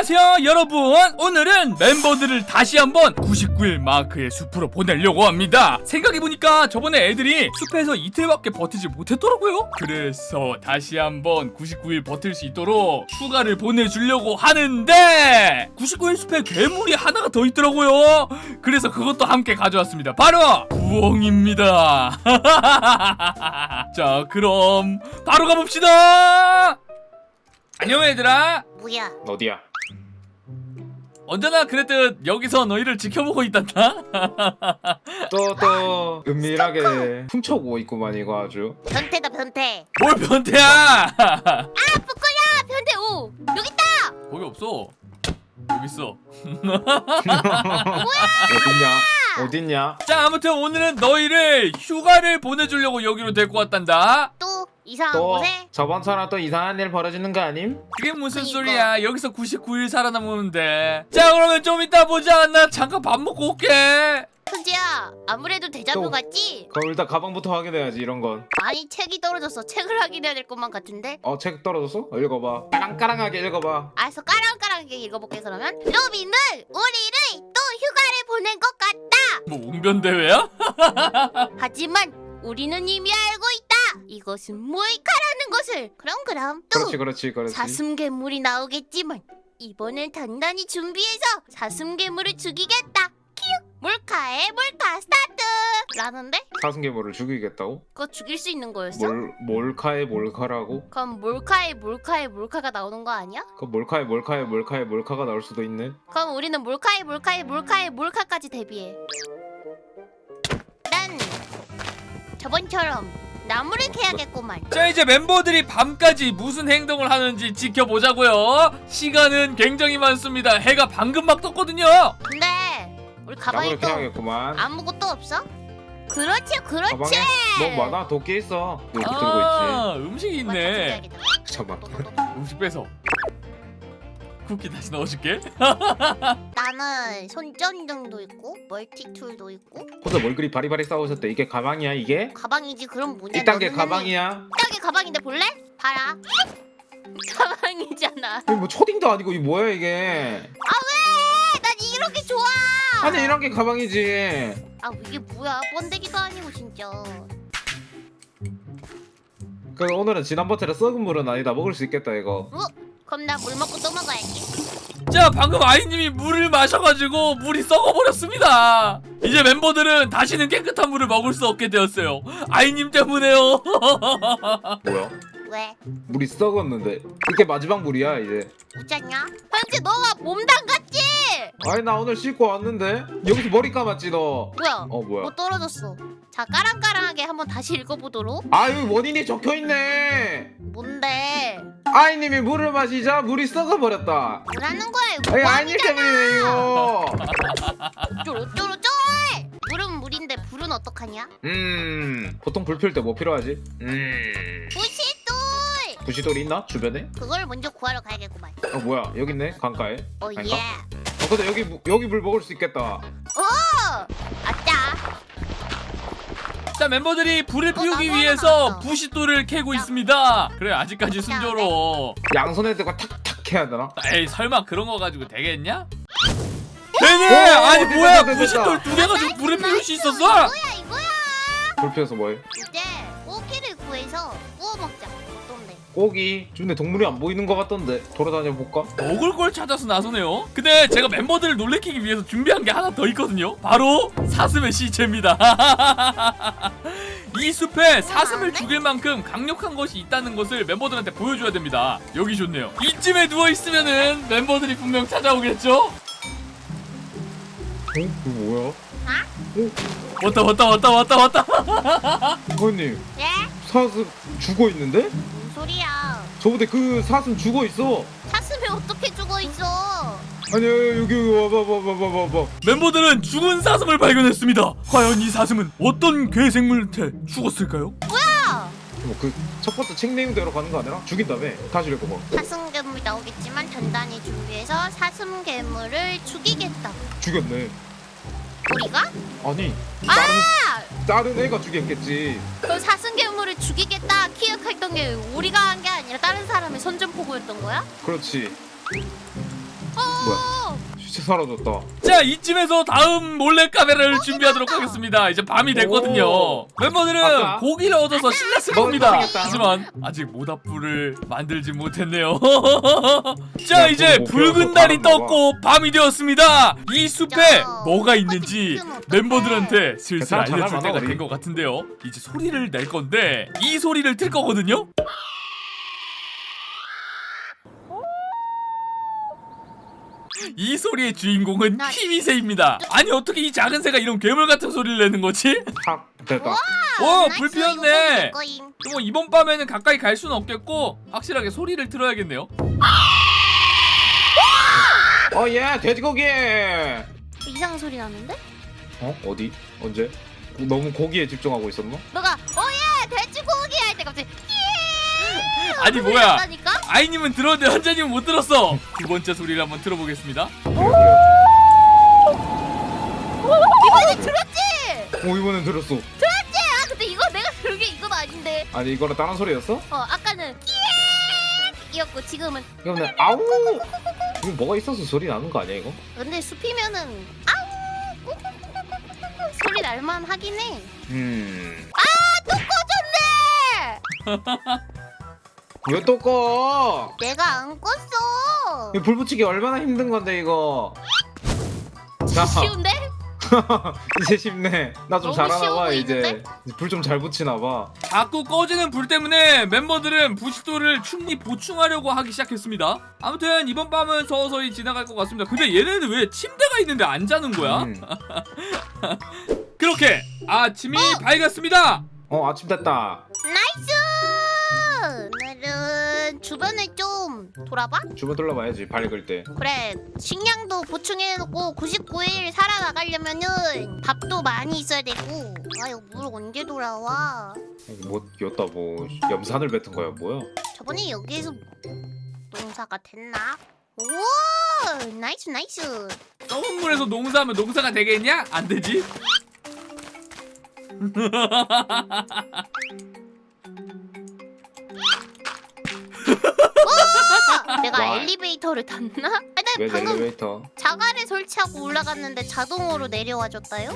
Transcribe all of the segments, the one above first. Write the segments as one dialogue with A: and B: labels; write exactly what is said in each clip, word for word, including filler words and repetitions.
A: 안녕하세요 여러분. 오늘은 멤버들을 다시 한번 구십구 일 마크의 숲으로 보내려고 합니다. 생각해보니까 저번에 애들이 숲에서 이틀밖에 버티지 못했더라고요. 그래서 다시 한번 구십구 일 버틸 수 있도록 휴가를 보내주려고 하는데 구십구 일 숲에 괴물이 하나가 더 있더라고요. 그래서 그것도 함께 가져왔습니다. 바로 부엉입니다. 자 그럼 바로 가봅시다. 안녕 얘들아.
B: 뭐야?
C: 어디야?
A: 언제나 그랬듯 여기서 너희를 지켜보고 있단다.
C: 또 또 은밀하게 훔쳐오고 있구만 이거 아주.
B: 변태다 변태.
A: 뭘 변태야.
B: 아 부끄야 변태. 오 여기 있다.
A: 거기 없어. 여기 있어.
C: 어딨냐? 어딨냐?
A: 자 아무튼 오늘은 너희를 휴가를 보내주려고 여기로 데리고 왔단다.
B: 또 이상한
C: 또
B: 곳에.
C: 저번처럼 또 이상한 일 벌어지는 거 아님?
A: 그게 무슨
B: 그니까.
A: 소리야. 여기서 구십구 일 살아남으면 자 그러면 좀 이따 보자. 나 잠깐 밥 먹고 올게.
B: 현지야 아무래도 데자뷰
C: 또.
B: 같지?
C: 그럼 일단 가방부터 확인해야지 이런 건.
B: 아니 책이 떨어졌어. 책을 확인해야 될 것만 같은데.
C: 어 책 떨어졌어? 어, 읽어봐. 까랑까랑하게 읽어봐.
B: 알았어 까랑까랑하게 읽어볼게 그러면. 로빈은 우리를 또 휴가를 보낸 것 같다.
A: 뭐 웅변대회야?
B: 하지만 우리는 이미 알고 있다. 이것은 몰카라는 것을. 그럼 그럼 또
C: 그렇지 그렇지 그렇지.
B: 사슴괴물이 나오겠지만 이번엔 단단히 준비해서 사슴괴물을 죽이겠다. 키읔 몰카에 몰카 스타트 라는데?
C: 사슴괴물을 죽이겠다고?
B: 그거 죽일 수 있는 거였어?
C: 몰 몰카에 몰카라고?
B: 그럼 몰카에 몰카에 몰카가 나오는 거 아니야?
C: 그 몰카에 몰카에 몰카에 몰카가 나올 수도 있네.
B: 그럼 우리는 몰카에 몰카에 몰카에 몰카까지 대비해. 난 저번처럼 나무를 캐야겠구만.
A: 자 이제 멤버들이 밤까지 무슨 행동을 하는지 지켜보자고요. 시간은 굉장히 많습니다. 해가 방금 막 떴거든요.
B: 근데 우리 가방에
C: 나무를
B: 또
C: 캐야겠구만.
B: 아무것도 없어? 그렇지 그렇지.
C: 가방에 너무 많아. 도끼 있어. 여기 들고
A: 아 음식이
B: 이건 다
A: 있네.
B: 챙겨야겠다.
C: 있지. 잠깐만.
B: 또, 또, 또.
A: 음식 빼서 쿠키 다시 넣어줄게.
B: 나는 손전등도 있고 멀티툴도 있고.
C: 혼자 뭘 그리 바리바리 싸우셨대. 이게 가방이야 이게?
B: 가방이지 그럼 뭐냐.
C: 이 단계
B: 너는
C: 가방이야?
B: 이 단계 가방인데 볼래? 봐라. 가방이잖아.
C: 이거 뭐 초딩도 아니고 이게 뭐야 이게?
B: 아 왜? 난 이렇게 좋아.
C: 아니 이런 게 가방이지.
B: 아 이게 뭐야? 번데기도 아니고 진짜.
C: 그 오늘은 지난번처럼 썩은 물은 아니다. 먹을 수 있겠다 이거.
B: 어? 그럼 나 물 먹고 또 먹어야지.
A: 자 방금 아이님이 물을 마셔가지고 물이 썩어버렸습니다. 이제 멤버들은 다시는 깨끗한 물을 먹을 수 없게 되었어요. 아이님 때문에요.
C: 뭐야?
B: 왜?
C: 물이 썩었는데 이게 마지막 물이야 이제.
B: 웃잖냐? 현지 너가 몸 담갔지?
C: 아니 나 오늘 씻고 왔는데 여기서 머리 감았지 너.
B: 뭐야?
C: 어 뭐야?
B: 뭐 떨어졌어. 자 까랑까랑하게 한번 다시 읽어보도록.
C: 아유 원인이 적혀있네.
B: 뭔데?
C: 아이님이 물을 마시자 물이 썩어버렸다.
B: 뭐라는 거야 이거?
C: 아니 아이님 때문이네 이거.
B: 어쩔 어쩔 어쩔. 물은 물인데 불은 어떡하냐?
C: 음 보통 불 필 때 뭐 필요하지? 음
B: 부시돌.
C: 부시돌이 있나 주변에?
B: 그걸 먼저 구하러 가야겠구만.
C: 어 뭐야 여기 있네 강가에.
B: 어
C: 아닌가?
B: 예.
C: 어 근데 여기 무- 여기 물 먹을 수 있겠다.
B: 어. 아짜.
A: 자 멤버들이 불을
B: 어,
A: 피우기
B: 나도
A: 위해서
B: 하나
A: 부싯돌을 캐고 있습니다. 그래 아직까지 순조로워.
C: 양손에 대고 탁탁 해야 되나?
A: 에이 설마 그런 거 가지고 되겠냐? 되네!
C: 오,
A: 아니
C: 됐다,
A: 뭐야
C: 됐다, 됐다.
A: 부싯돌 두 개 가지고 불을 피울 수 있었어?
B: 이거야 이거야.
C: 불 피워서 뭐해?
B: 이제 고기를 구해서 구워 먹자. 어떤데?
C: 고기 근데 동물이 안 보이는 것 같던데 돌아다녀 볼까?
A: 먹을 걸 찾아서 나서네요. 근데 제가 멤버들을 놀래키기 위해서 준비한 게 하나 더 있거든요. 바로 사슴의 시체입니다. 이 숲에 사슴을 죽일 만큼 강력한 것이 있다는 것을 멤버들한테 보여줘야 됩니다. 여기 좋네요. 이쯤에 누워있으면은 멤버들이 분명 찾아오겠죠?
C: 어? 이거 뭐야?
A: 왔다 왔다 왔다 왔다 왔다.
C: 부모님
B: 예?
C: 사슴 죽어 있는데?
B: 뭔 소리야?
C: 저번에 그 사슴 죽어 있어.
B: 사슴이 어떻게 죽어 있어?
C: 아니 여기 여기 와봐 와봐 와봐 와봐.
A: 멤버들은 죽은 사슴을 발견했습니다. 과연 이 사슴은 어떤 괴생물한테 죽었을까요?
B: 뭐야?
C: 뭐그 첫 번째 책 내용대로 가는 거 아니라 죽인 다음에 다시 읽어봐.
B: 사슴괴물 나오겠지만 단단히 준비해서 사슴괴물을 죽이겠다.
C: 죽였네.
B: 우리가?
C: 아니
B: 아!
C: 다른 다른 애가 죽였겠지.
B: 그 사슴괴물을 죽이겠다 기억했던 게 우리가 한 게 아니라 다른 사람의 선전포고였던 거야?
C: 그렇지.
B: 어
C: 진짜 사라졌다.
A: 자, 이쯤에서 다음 몰래카메라를 준비하도록 하겠습니다. 이제 밤이 됐거든요.
C: 오.
A: 멤버들은
C: 아까?
A: 고기를 얻어서 신났을
C: 먹을
A: 겁니다.
C: 뻔했다.
A: 하지만 아직 모닥불을 만들지 못했네요. 자,
C: 야,
A: 이제
C: 그거 못
A: 붉은
C: 배워서
A: 달이
C: 다른가 봐.
A: 떴고 밤이 되었습니다. 이 숲에
B: 야,
A: 뭐가 있는지
B: 어떡해.
A: 멤버들한테 슬슬
C: 괜찮아,
A: 알려줄
C: 잘하나,
A: 때가
C: 우리.
A: 된 것 같은데요. 이제 소리를 낼 건데 이 소리를 틀 거거든요. 이 소리의 주인공은
B: 나-
A: 키위새입니다. 아니 어떻게 이 작은 새가 이런 괴물 같은 소리를 내는 거지?
C: 탁 됐다.
A: 오,
B: 나이스,
A: 불
B: 이거 먹으면
A: 피웠네.
B: 될 거임.
A: 뭐 이번 밤에는 가까이 갈 수는 없겠고 확실하게 소리를 틀어야겠네요.
C: 어예 돼지고기.
B: 이상한 소리 나는데?
C: 어 어디 언제? 너무 고기에 집중하고 있었나?
B: 너가 어예 돼지고기 할 때 갑자기 예!
A: 아니
B: 소리
A: 뭐야?
B: 났다니까?
A: 아이님은 들었는데 현자님은 못 들었어. 두 번째 소리를 한번 들어보겠습니다.
B: 이번에 들었지?
C: 어 이번엔 들었어.
B: 들었지? 아 근데 이거 내가 들은 게 이건 아닌데.
C: 아니 이거는 다른 소리였어?
B: 어 아까는 예! 이었고 지금은
C: 이거는 아우. 이거 뭐가 있어서 소리 나는 거 아니야 이거?
B: 근데 숲이면은 아우 꾹꾹꾹꾹꾹꾹 소리 날만 하긴 해.
C: 음.
B: 또 꺼졌네.
C: 왜 또 꺼?
B: 내가 안 껐어.
C: 이거 불 붙이기 얼마나 힘든 건데 이거. 자
B: 쉬운데?
C: 이제 쉽네. 나 좀
B: 너무
C: 잘하나
B: 쉬워
C: 봐 이제.
B: 보이는데?
C: 불 좀 잘 붙이나 봐.
A: 자꾸 꺼지는 불 때문에 멤버들은 부식도를 충분히 보충하려고 하기 시작했습니다. 아무튼 이번 밤은 서서히 지나갈 것 같습니다. 근데 얘네는 왜 침대가 있는데 안 자는 거야?
C: 음.
A: 그렇게 아침이 밝았습니다.
C: 어 아침 됐다.
B: 나이스. 오늘은 주변을 좀 돌아봐.
C: 주변 둘러봐야지 밝을 때.
B: 그래 식량도 보충해놓고 구십구 일 살아나가려면은 밥도 많이 있어야 되고. 아 이거 물 언제 돌아와?
C: 뭐 였다 뭐 염산을 뱉은 거야 뭐야?
B: 저번에 여기에서 농사가 됐나? 오 나이스 나이스.
A: 썩은 물에서 농사하면 농사가 되겠냐? 안 되지.
B: 내가
C: Why?
B: 엘리베이터를 탔나? 아니 나
C: 왜
B: 방금
C: 엘리베이터?
B: 자갈을 설치하고 올라갔는데 자동으로 내려와줬다요?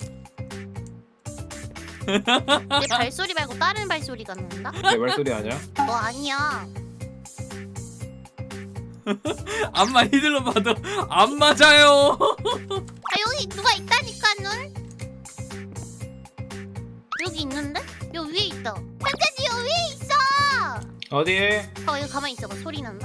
B: 내 발소리 말고 다른 발소리가 난다?
C: 내 말소리 아니야?
B: 너 아니야.
A: 앞만 히들러 봐도 안 맞아요.
B: 아 여기 누가 있다니까는. 여기 있는데? 여기 위에 있다. 현재지 여기 위에 있어.
C: 어디?
B: 어 여기 가만히 있어봐. 소리 난다?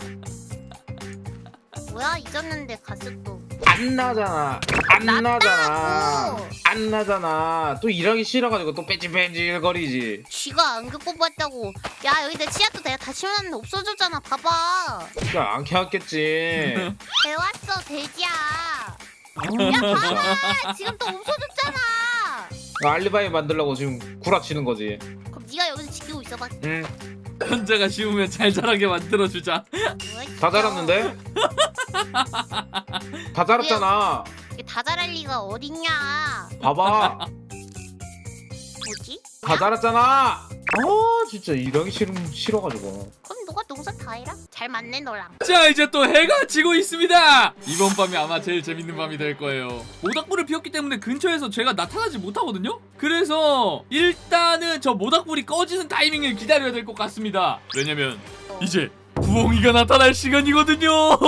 B: 뭐야 잊었는데 갔어 또.
C: 안 나잖아. 안 나잖아.
B: 났다고.
C: 안 나잖아. 또 일하기 싫어가지고 또 뺀질뺀질거리지.
B: 쥐가 안경 뽑았다고. 야 여기 내 치약도 내가 다 치워놨는데 없어졌잖아. 봐봐.
C: 그러니까 안 캐왔겠지.
B: 배웠어 돼지야. 야 봐봐. 지금 또 없어졌잖아.
C: 알리바이 만들려고 지금 구라치는 거지.
B: 그럼 네가 여기서 지키고 있어봐.
C: 응.
A: 현자가 쉬우면 잘 자라게 만들어주자.
B: 뭐야,
C: 다
B: 진짜.
C: 자랐는데? 다 자랐잖아.
B: 이게 다 자랄 리가 어딨냐.
C: 봐봐.
B: 뭐지?
C: 다 자랐잖아. 아 진짜 일하기 싫음 싫어가지고.
B: 그럼 너가 농사 다 해라. 잘 맞네 너랑.
A: 자, 이제 또 해가 지고 있습니다. 이번 밤이 아마 제일 재밌는 밤이 될 거예요. 모닥불을 피웠기 때문에 근처에서 제가 나타나지 못하거든요. 그래서 일단은 저 모닥불이 꺼지는 타이밍을 기다려야 될 것 같습니다. 왜냐면 이제 부엉이가 나타날 시간이거든요.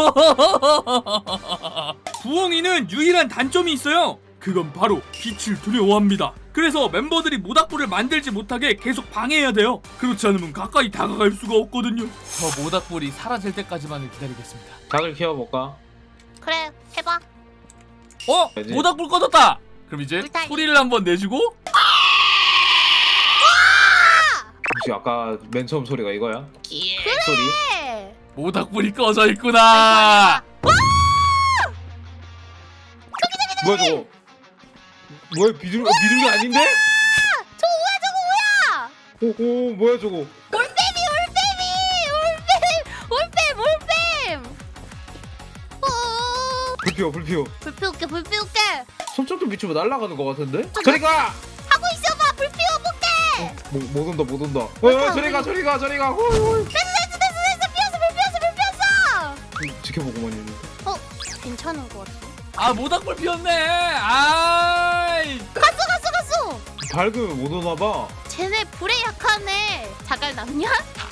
A: 부엉이는 유일한 단점이 있어요. 그건 바로 빛을 두려워합니다. 그래서 멤버들이 모닥불을 만들지 못하게 계속 방해해야 돼요. 그렇지 않으면 가까이 다가갈 수가 없거든요. 저 모닥불이 사라질 때까지만을 기다리겠습니다.
C: 닭을 키워볼까?
B: 그래 해봐.
A: 어?
C: 되지.
A: 모닥불 꺼졌다! 그럼 이제
B: 불타기.
A: 소리를 한번 내주고
C: 혹시 아까 맨 처음 소리가 이거야?
B: 예.
C: 소리?
B: 그래.
A: 모닥불이 꺼져 있구나.
C: 뭐야 저거? 뭐야 비둘기 비둘기 아닌데?
B: 저거 뭐야 저거 뭐야?
C: 오오 뭐야 저거?
B: 올빼미 올빼미 올빼미 올빼미 올빼미. 어.
C: 불 피워 불 피워.
B: 불 피울게 불 피울게.
C: 손톱 좀 비추면 날아가는 것 같은데? 저리 가!
B: 하고 있어봐. 불 피워볼게.
C: 못, 못 온다 못 온다. 어 저리 가 저리 가 저리 가. 홀, 홀.
B: 됐어 됐어 됐어 됐어 피웠어 불 피웠어 불 피웠어.
C: 지, 지켜보고만 있는데.
B: 어? 괜찮은 것 같아.
A: 아 모닥불 피웠네. 아이.
B: 갔어 갔어 갔어.
C: 밝으면 못 오나봐.
B: 쟤네 불에 약하네. 자갈 남냐?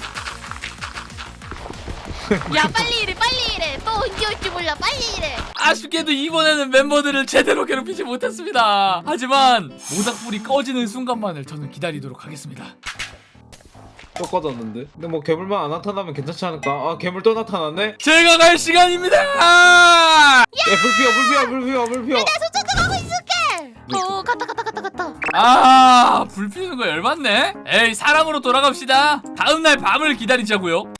B: 야 빨리 이래 빨리 이래. 또 언제 올지 몰라 빨리 이래.
A: 아쉽게도 이번에는 멤버들을 제대로 괴롭히지 못했습니다. 하지만 모닥불이 꺼지는 순간만을 저는 기다리도록 하겠습니다.
C: 또 꺼졌는데. 근데 뭐 괴물만 안 나타나면 괜찮지 않을까? 아 괴물 또 나타났네.
A: 제가 갈 시간입니다.
C: 야 불 피워 불 피워 불 피워 불 피워.
B: 나 저쪽 가고 있을게. 어 갔다 갔다 갔다 갔다.
A: 아, 불 피우는 거 열받네. 에이, 사람으로 돌아갑시다. 다음 날 밤을 기다리자고요.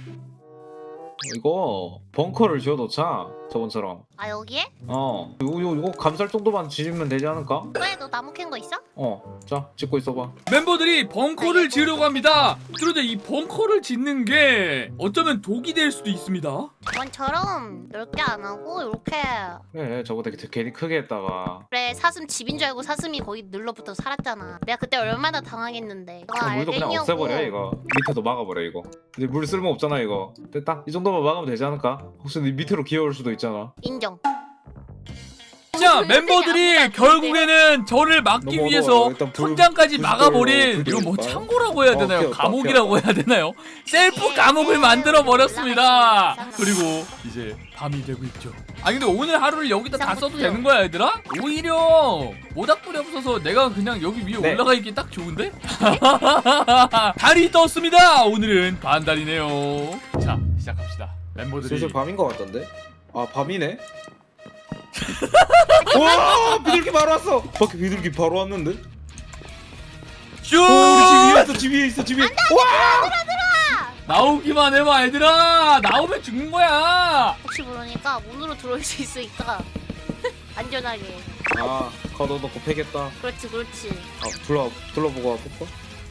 C: 이거 벙커를 지어놓자 저번처럼.
B: 아 여기에?
C: 어 요거 요, 요거 감쌀 정도만 지으면 되지 않을까?
B: 그래 너 나무 캔 거 있어?
C: 어자 짓고 있어봐.
A: 멤버들이 벙커를 지으려고 합니다. 그런데 이 벙커를 짓는 게 어쩌면 독이 될 수도 있습니다.
B: 저번처럼 넓게 안 하고 이렇게.
C: 그래 저거 되게 괜히 크게 했다가.
B: 그래 사슴 집인 줄 알고 사슴이 거기 눌러붙어 살았잖아. 내가 그때 얼마나 당황했는데. 너
C: 그 물도 그냥
B: 알겠냐고.
C: 없애버려 이거. 밑에도 막아버려 이거. 이제 물 쓸모 없잖아 이거. 됐다 이 정도만 막으면 되지 않을까? 혹시 네 밑으로 기어올 수도 있잖아.
B: 인정.
A: 자,
B: 아무도
A: 멤버들이
B: 안
A: 결국에는 저를 막기
C: 넘어가,
A: 위해서
C: 일단 불-
A: 천장까지
C: 불
A: 막아버린
C: 불
A: 이거 뭐
C: 불
A: 창고라고 해야
C: 어,
A: 되나요?
C: 피웠다,
A: 감옥이라고 해야 되나요? 셀프 감옥을 만들어 버렸습니다. 그리고 이제 밤이 되고 있죠. 아 근데 오늘 하루를 여기다 다 써도 되는 거야 얘들아? 오히려 모닥불이 없어서 내가 그냥 여기 위에
C: 네.
A: 올라가 있기 딱 좋은데? 달이 떴습니다. 오늘은 반달이네요. 자 시작합시다. 멤버들이
C: 슬슬 밤인 것 같던데? 아 밤이네? 와 비둘기 바로 왔어. 밖에 비둘기 바로 왔는데?
A: 슈!
C: 오 우리 집 위에 있어 집 위에 있어 집 위에. 와
A: 나오기만 해봐 얘들아. 나오면 죽는 거야.
B: 혹시 모르니까 문으로 들어올 수 있으니까 안전하게.
C: 아 걷어놓고 패겠다.
B: 그렇지 그렇지.
C: 아 둘러 둘러보고 와볼까?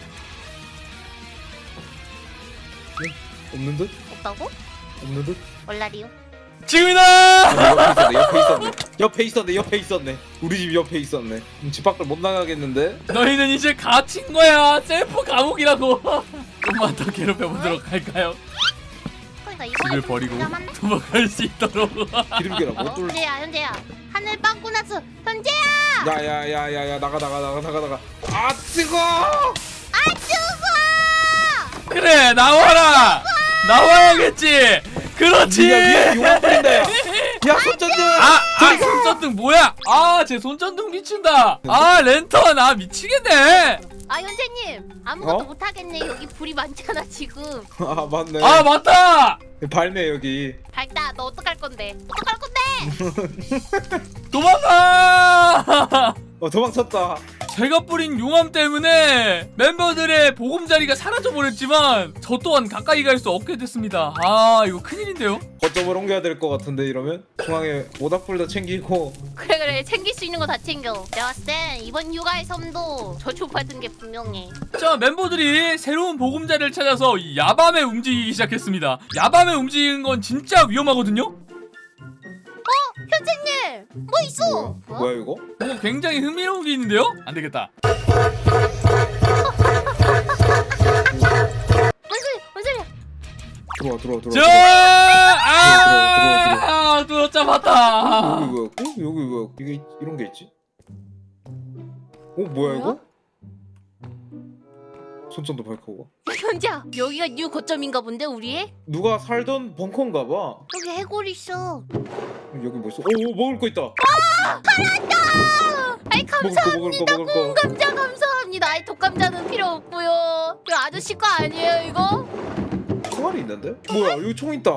C: 네? 없는 듯?
B: 없다고?
C: 없는 듯?
B: 얼라리요?
A: 지금이다.
C: 아니, 옆에 있었네. 옆에 있었네. 옆에 있었네. 옆에 있었네. 우리 집 옆에 있었네. 음, 집 밖을 못 나가겠는데?
A: 너희는 이제 갇힌 거야. 셀프 감옥이라고. 좀만 더 괴롭혀 보도록 할까요?
B: 그러니까
A: 집을
B: 이번에 좀
A: 버리고
B: 잠깐만.
A: 도망갈 수 있도록.
C: 기름기랑 못 뚫.
B: 현재야 현재야 하늘 빵꾸 났어. 현재야.
C: 야야야야야 나가 나가 나가 나가 나가. 아 뜨거!
B: 아 죽어.
A: 그래 나와라. 나와야겠지. 그렇지.
C: 야 위에 용암 뿌린다 야. 야 손전등.
A: 아, 아 손전등 뭐야? 아, 제 손전등 미친다. 아, 랜턴 아 미치겠네.
B: 아 현재님 아무것도
C: 어?
B: 못하겠네. 여기 불이 많잖아 지금.
C: 아 맞네.
A: 아, 맞다.
C: 밝네 여기.
B: 밝다. 너 어떡할 건데? 어떡할 건데?
A: 도망가.
C: 어 도망쳤다.
A: 제가 뿌린 용암 때문에 멤버들의 보금자리가 사라져버렸지만 저 또한 가까이 갈 수 없게 됐습니다. 아 이거 큰일인데요?
C: 거점을 옮겨야 될 것 같은데 이러면 중앙에 모닥불도 챙기고.
B: 그래 그래 챙길 수 있는 거 다 챙겨. 내가 봤을 땐 이번 휴가의 섬도 저주받은 게 분명해.
A: 자 멤버들이 새로운 보금자리를 찾아서 이 야밤에 움직이기 시작했습니다. 야밤에 움직이는 건 진짜 위험하거든요?
B: 현재님 뭐 있어?
C: 뭐야, 뭐야 이거?
A: 뭐 굉장히 흥미로운 게 있는데요? 안 되겠다.
B: 뭔 소리? 뭔 소리야?
C: 들어와 들어와 들어와.
A: 저!
C: 들어와,
A: 아! 뚫어 잡았다.
C: 여기 뭐야? 어? 여기 뭐야? 이게 이런 게 있지? 어 뭐야 이거? 손전도 밝히고.
B: 현재야 여기가 뉴 거점인가 본데 우리의?
C: 누가 살던 벙커인가 봐.
B: 여기 해골 있어.
C: 여기 뭐 있어? 오 먹을 거 있다.
B: 아이
C: 먹을 거 먹을 거
B: 감사합니다.
C: 먹을 거.
B: 감자 감사합니다. 아이 독감자는 필요 없고요. 이거 아저씨 거 아니에요 이거?
C: 총알이 있는데? 뭐야 여기 총 있다.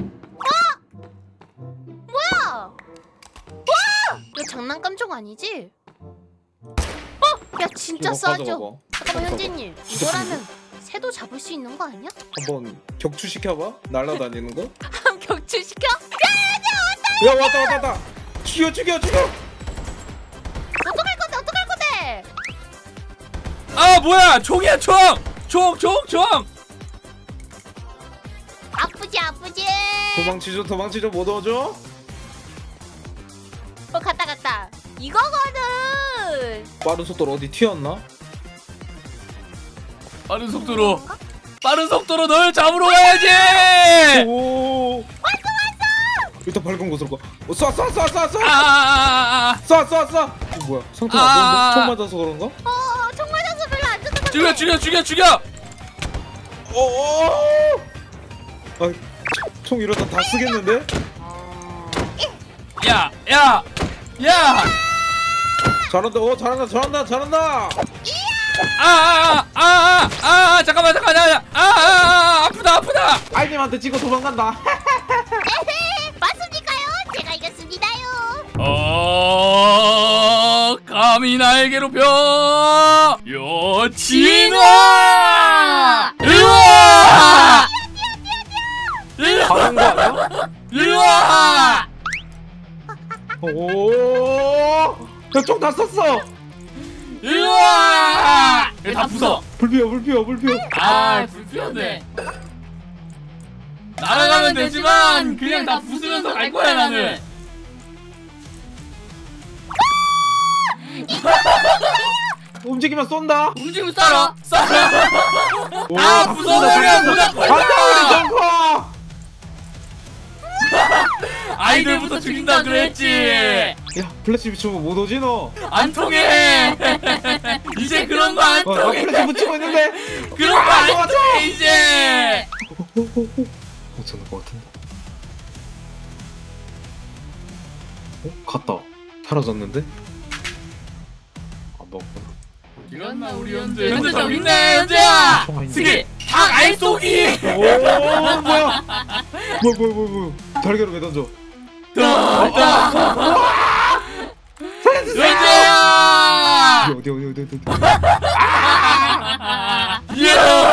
B: 뭐야? 와! 이거 장난감 총 아니지? 어? 야 진짜
C: 이거
B: 싸죠?
C: 가져가봐.
B: 잠깐만
C: 가져가봐.
B: 현재님
C: 진짜
B: 이거라면 새도 잡을 수 있는 거 아니야?
C: 한번 격추 시켜봐. 날라다니는 거.
B: 한번 격추시켜?
C: 야 왔다 왔다 왔다. 죽여 죽여 죽여.
B: 어떡할 건데 어떡할 건데?
A: 아 뭐야 총이야 총! 총! 총! 총!
B: 아프지 아프지?
C: 도망치죠 도망치죠 못 얻어.
B: 어 갔다 갔다 이거거든.
C: 빠른 속도로 어디 튀었나?
A: 빠른 속도로 빠른 속도로 널 잡으러 가야지!
C: 오. 일단 밝은 곳으로 가. 어, 쏴, 쏴, 쏴, 쏴, 쏴.
A: 아아아아
C: 쏴, 쏴, 쏴. 이거 뭐야? 상태가
A: 아.
C: 안 좋은데? 총 맞아서 그런가?
B: 어, 총 맞아서 별로 안 좋은 것 같아.
A: 죽여 죽여 죽여 죽여
C: 어, 어. 아, 총 이러다 다 쓰겠는데?
A: 야야야
C: 잘한다, 어, 잘한다, 잘한다, 잘한다.
A: 아아아아아 아, 잠깐만 잠깐만 아아아 아프다 아프다
C: 아이님한테 찍고 도망간다.
B: 에헤, 맞습니까요? 제가 이겼습니다요.
A: 어 감히 날 괴롭혀 여친아 일로와
C: 가는 거 아니야?
A: 일로와
C: 오, 총 다 썼어.
A: 일로와 다 부숴
C: 불피워, 불피워, 불피워.
A: 아 불편해 날아가면 되지만 그냥 다 부수면서 갈 거야 나는
C: 움직이면 쏜다.
A: 움직이면 쏴라 쏴라
C: 오,
A: 아,
C: 다
A: 부숴버려,
C: 쏜다, 다
A: 무조건
C: 쏜다. 간다, 우리
A: 쏴.
C: 정커.
A: 아이들부터 죽인다 그랬지
C: 야, 플래시 비추면 못 오지 너.
A: 안 통해 이제 그런 거 안
C: 어, 나
A: 통해
C: 플래시 붙이고 있는데.
A: 그런 거 안 통해 이제
C: 못 찾는 것 같은데. 어? 갔다. 사라졌는데? 안 먹었구나.
A: 이겼나 우리 현재 현재 저기 있네 현재야 스기 닭 알쏘기
C: 오, 뭐야? 뭐야, 뭐야, 뭐야, 뭐야. 달걀을 왜 던져?
A: 현재야
C: 어디, 어디, 어디, 어디, 어디.
A: 예